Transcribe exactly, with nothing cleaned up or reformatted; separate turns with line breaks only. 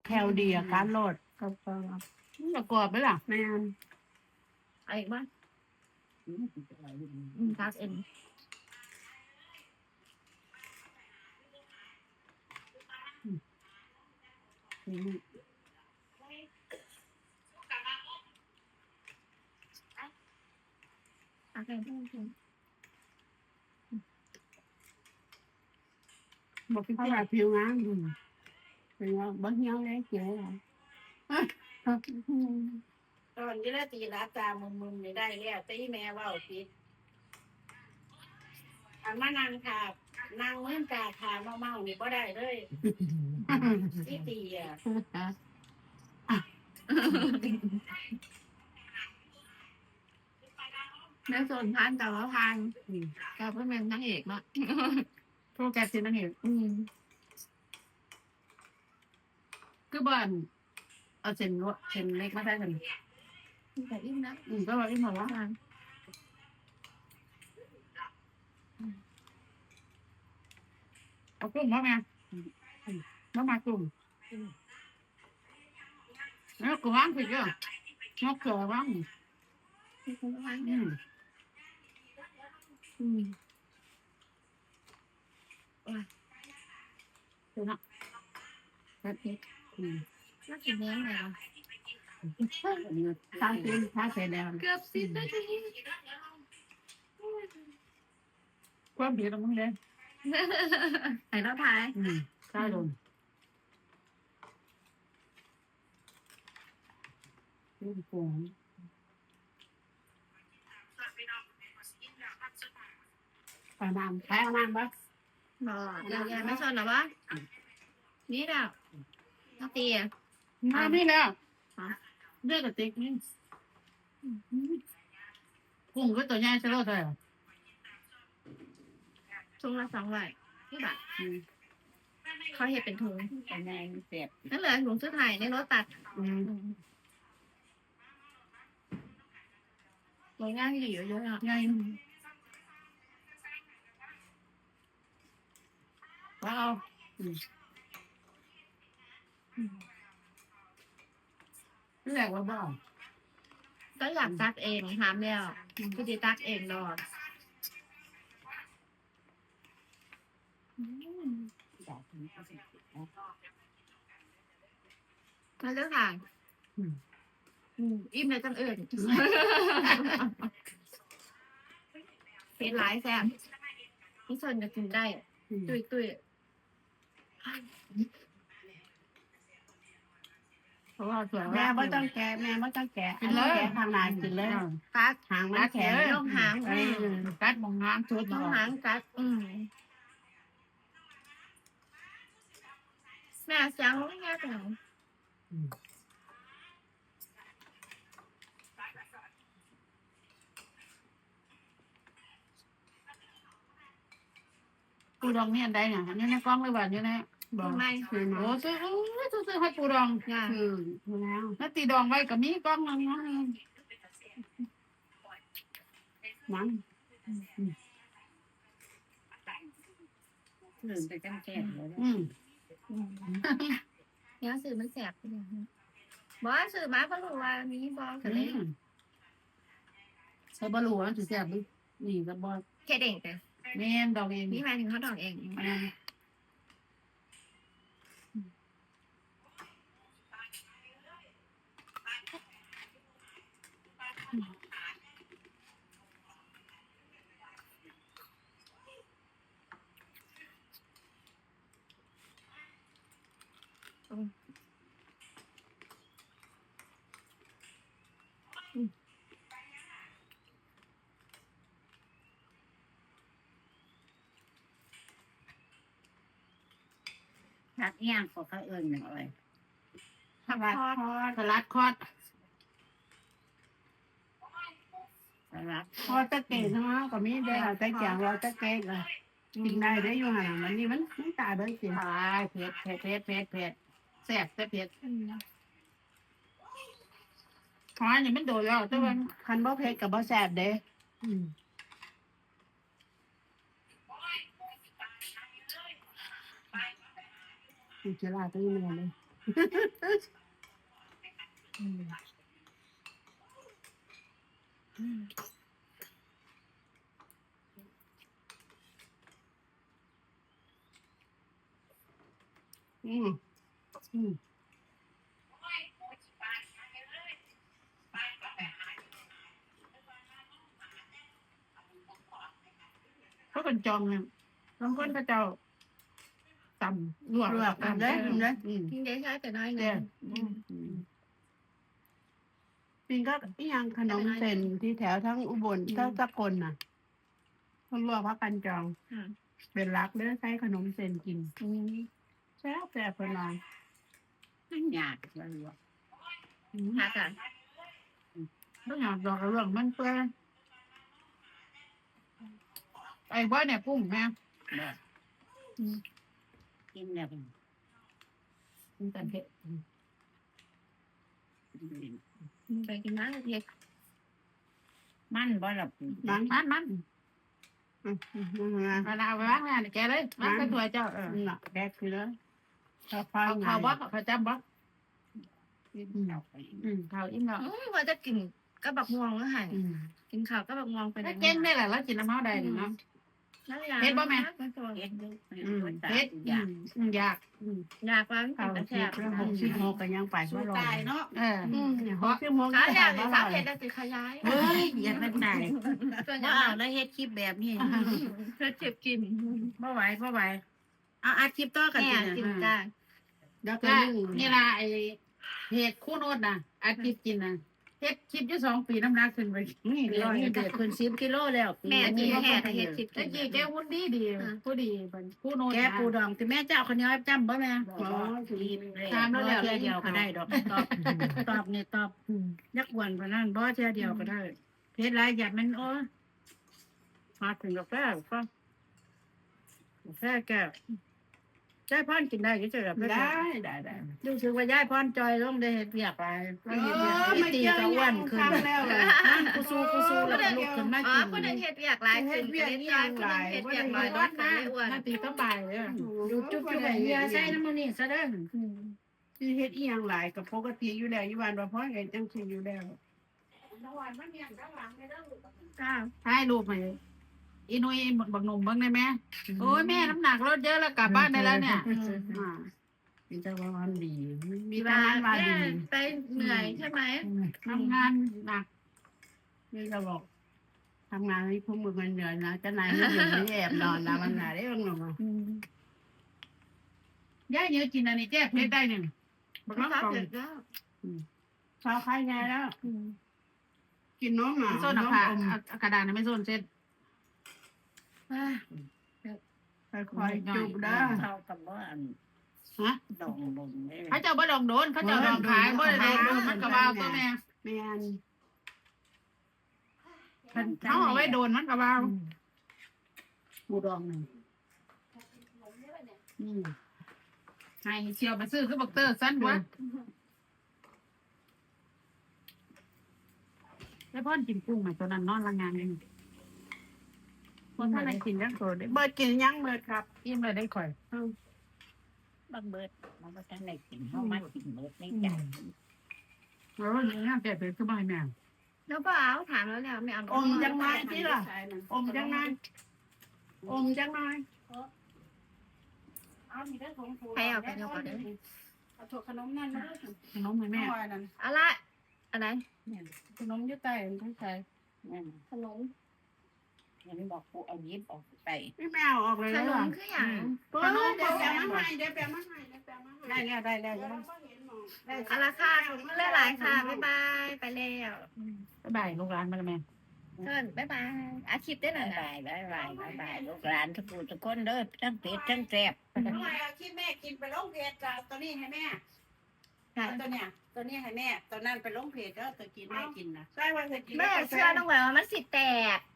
คลดีอะการโหลด
กรอบกรอบ
ประกอบไหมล่ะ
แม่น
ไอ้บ้านอืมทักเอ็นอาการท่านผู้ชม
บอกพี่
เพราะ
เจ้า
ว่าผิวงามอืมเป็นว่าบ่เหี่ยวเลยเจ๋อเหรอ
ตอนนี้ละตีรับตามึนๆไม่ได้แล้วตีแม่ว่าปิดอันมานั่งค่ะนั่งเมื่อกาขาเมาเมาๆนี่บ่ได้เลยที่ตีอ่ะแม่ส่วนทานแต่ว่าทานก็เพื่อนเป็นนางเอกเนาะ
โปรแกรมสินั่นเอง
อืม
คือบ้านเอาเส้นรถเส้นเล็กมาได้กัน
แต่อิ่มนะ
อืมก็ว่าอีหมอว่า
ทาน
เอากุ้งมาแม่มามากุ้งแล้วกุ้งว่างผิดก็นกเขือว่าง
มีคนทาน
อืม
อืม
คือนะแบบนี้อืม
น่ากินเนื้อไงวะ
ทางกินทางเสร็จแล้ว
เกือบสิบนาที
ความผิดของมึงเลย
ไหนเราทาย
อืมใช่ลงกุ้งกุ้งปลาน้ำแพ้น้ำปะ
บอกยายไม่ชนหรอวะนี่แหละน้าตีอ่ะ
มานี่แล้วเลือกกระติกนี่กุ้งก็ตัวใหญ่ใช่ไหมใช่
ถุงละสองร้อยนี่แบบเขาเห็นเป็นถุง
แต่แม่เสียบ
นั่นเลยถุงซื้อไทยในรถตัด
อืม
โรงงานที่อยู่เยอะอ่ะ
ใหญ่ว้าวนี่แหละว่าบ้า
ก็อยากตักเองทำแล้วก็จะตักเองรอดมาเลือกค่ะอิ่มเลยจังอื่นเป็นหลายแซ่บพี่ชนจะกินได้ตุยตุย
เพราะว่าสวย
แม่บ่ต้องแกะแม่บ่ต้องแกะอันนี้แกะทางหน้ากินเลย
กัด
หางมันแข็ง
ลงหาง
เออกัดมองน้ำชุด
ลงหางกัดอืมแม่เสียงไม่แง่แต่
ปูดองเนี่ยได้เนี่ยอันนี้ในกล้องเลยว่าเนี่ยนะบ
ท
อก
ำไม
โอ้ซื้อซื้อซื้อให้ปูดอง
อ่ะ
คือดูแล้ว
แล้วตีดองไว้กับมีกล้องนึงนะ
มัน
หนึ่งไปกันแก่เลย
อืม
เนี้ยสื่อมันแสบบอกว่าสื่อมาก็รู้ว่ามีบอกกันเลย
ใช้บอลลูนถือแสบดินี่กับบอล
แค่เด่งแต่
แม่นดอกเอง
นี่หมายถึงเขาดอกเอง
ทักย่างก็เขาเอิญหนึ่งอะไร
สลัดคอดสลัดคอด
สาระ
พอตะเกียบเนาะก็มีได้เอาแต่แกงเราตะเกียบเลยกินได้ได้อยู่ห่างมันนี่มันมันตายได้สิ
ตายเผ็ดเผ็ดเผ็ดเผ็ดเผ็ดแสบแต่เผ็ดหอยนี่มันโดดแล้วแต่ว่า
คันบ่เผ็ดกับบ่แซ่บเด้
อืม
อุจจาระตัวนี้มันเลย
อืมอืม
อืมอืม
เขาเป็นจอมเนี่ยบางคนก็เจ้าตำลวก
ลวกกันเลยกินเลยอืม
กินได้ใช้แต่น้อย
เด้
นะ
ออืมปิงก็อีหยังขนมเส้นที่แถวทั้งอุบลทั้งสกลน่ะคนลวกพักกันจอง
ค่ะ
เป็นรักเด้อใช้ขนมเส้นกิน
อืม
แซ่บแซ่บเพิ่นว่า
มันยากเลยว่ะ
ค่ะค่ะ
ต้องอยากดอกกระเรื่องมันเปื่อยไอ้บ้านเนี่ยกุ้งแม่
แบบกินแบบ
กินแต่เผ็ด
ไปกินน้ำเผ็ด
มันบ่หลับ
มัน
มันมัน
อืมอืมอืมนะ
เวลาเอาไปวางแม่นี่แกเลยวางไปตัวเจ้าเออ
อืมน่ะแดกคือเลยข้าว
เขา
ไง
เขาบ่เขาจับบ่
เอาไป
อืมเขาอิ่มแล้ว
อืมว่าจะกินก็บักม่วงแล้วหัน
อืม
กินข้าวก็บักม่วงไป
แล้วเก่งได้แหละแล้วกินน้ำเมาได้นี่เนาะ เผ็ดบ่แม่
เฮ็ดอยู่
อืม
เฮ็ด
เผ็ด
อยาก
อืมอยาก
อยากว่า
ข้าว
กิน
สิ
แต่
บ
แซ่บ
แล้วหกสิบหกก็ยังไป
สู้
บ่รอ
ตายเนาะ
เออ
อืมหกสิบหก
ขา
ยัง
อยาก
ไป
กิน
บ่
สาว
ร
เผ็
อ
ดจะสิขยาย
เฮ้ยอย่ามันตาย
ส่วนให
บ่
ญ่
เอาแล้วเฮ็ดคลิปแบบนี้
เธอเจ็บกิน
บ่ไหวบ่ไหวเอาอาคลิปต่อกัน
แม่
สิ
กิน
นะ
จ้า
แล้วก็
ก็
นึ่ง
นี่ล่ะไอ้เห็ดคู่โนดน่ะอาทิตย์กินน่ะเฮ็ดคลิปอยู่สองปีน้ำหนักขึ้นไปนี่
เดี๋ยว
ร้อย
นี้เด็กขึ้นสิบกิโลแล้ว
แม่กิน
บ่
แค่แต่เฮ็ดสิบ
ตะกี้แกหุ่นดีดีผู้ดีเป็นคู่โนด
แกปูดองที่แม่เจ้าคนนี้จำบ่แม่
อ๋อ
ถามแล้วเทื่อเดียวก็ได้ดอกตอบตอบนี่ตอบ
อืม
ยักอ้วนปานนั้นบ่เทื่อเดียวก็ได้เพชรหลายอย่างมันโอ้มาถึงกาแฟก็กาแฟแก้วยายพรกินได้ก็จะแบบ
ได้ได้ได้
รู้สึกว่ายายพรจอยลงได้เฮ็ดเวียกไป
เออไม่
ตี
เจอ
ก็อ้ว
ยั
น
ง
ขึ้น
คำแล้วเลย
นั่นกูสู้กูสู้แล้วก็ลุกขึ้นมา
อ๋อ
กิน
คนนึงเฮ็ดอยากหลายขึ้นก็เลยจอยคนนึงเฮ็ดอยากน้อยลดก็เลยอ้วน
นาตีก็บ่ายเลย
ดูจุ๊บจุ๊บแบบเฮียใส่น้ำมันนี่ซะเด้อ
ที่เฮ็ดอีหยังหลายกับปกติอยู่แล้วอยู่บ้านว่าพ่อไงจังซี่อยู่แล้ว
จ้า
ถ่ายรูปให้อีนุ้ยบักหนุ่มเบิ่งได้ไหมโอ้ยแม่น้ำหนักลดเยอะแล้วกลับบ้านได้แล้วเนี่ย
อ่ามีแต่ว่ามันดีมี
มี
แต่
ว่า
มันว่า
แม่
ดี
ไปเหนื่อยใช่ไหม
ทำงานหนัก
นี่ก็บอกทำงานให้พวกมึงมันเหนื่อยนะเจ้านายไม่อยู่ไม่แอบนอนนะมันหนาได้บ้างหรอมา
ย่าเยอะกินอันนี้แจ๊เพชรได้หนึ่งบัก
ไม่
น้อง
ชอบ
กล่อง
เผ็ดแล้ว
ชาวใครไงแล้ว กินน้องหมา
โซน
น้
อะ
อง
ค่ะ
อม
เอากระดาษไม่โซนเซ็ต
ค่อยๆจุบเด้อ
เขากับว่าอัน
ฮะ
ดองลงเลย
เขาเจ้าบ่ดองโดนเขาเจ้าดองขายบ่ได้ดองโดนมันกระบาตัวแม่
แม่น
เขาเอาไว้โดนมันกระบา
ปูดองหนึ่ง
อืม
ให้เชียวมาซื้อคือบักเตอร์สั้นวะแล้วพ่อนกินกุ้งไหมตัวนั้นนอนละงานเองคนท่านไหนกินยังโสดได้
เบิดกินยังเบิดครับ
อิ่มเลยได้ข่อย
บางเบิดมันก็จะได้กินเพราะมันกินเบิดในใจ
แล้ววันนี้แต่เป็นคือบ่ให้แม่
แล้วก็เอาถามแล้วแล้วไม่เอา
อมจังไงที่ล่ะอมจังไงอมจังไง
ใครเอาไปเอาก่อนเลย
เอาถั่วขนมนั่นมาด้วย
ขนมให้แม่
แม่นั่น
อะไรอะไร
ขนมยุ่ใต้มันต้องใส่
นั่น
ขนม
ยังบอกกูเอายิบออกไป
ไม่แมวออกเลย
ข
แล้ว
น
เหร
ม
อ
คืออย่าง
ขนมเดี๋ยวแปลมาให้เดี๋ยวแปลมาให้เดี๋ยวแปลมาให้
ได้แล้วได้แล้ว
เอาละค่ะขอบคุณหลายๆค่ะบ๊ายบายไปแล้ว
บ๊ายบายลูกหลานมาแล้วแม่
เชิญบ๊ายบายอาคลิปได้หน่
บา
อย
ย
นะ
บายบายบายบายลูกหลานทุกผู้ทุกคนเด้อทั้งเป็ดทั้งแซ่บ
ทำไมเอาที่แม่กินไปลงเพจจ้ะตัวนี้ให้แม่
ค่ะ
ตัวเนี้ยตัวนี้ให้แม่ตัวนั้นไปลงเพจก็ตัวกินแม่กินนะใช่ว่าจะกิน
แม่เชื่อต้องไว้ว่ามันสิแตก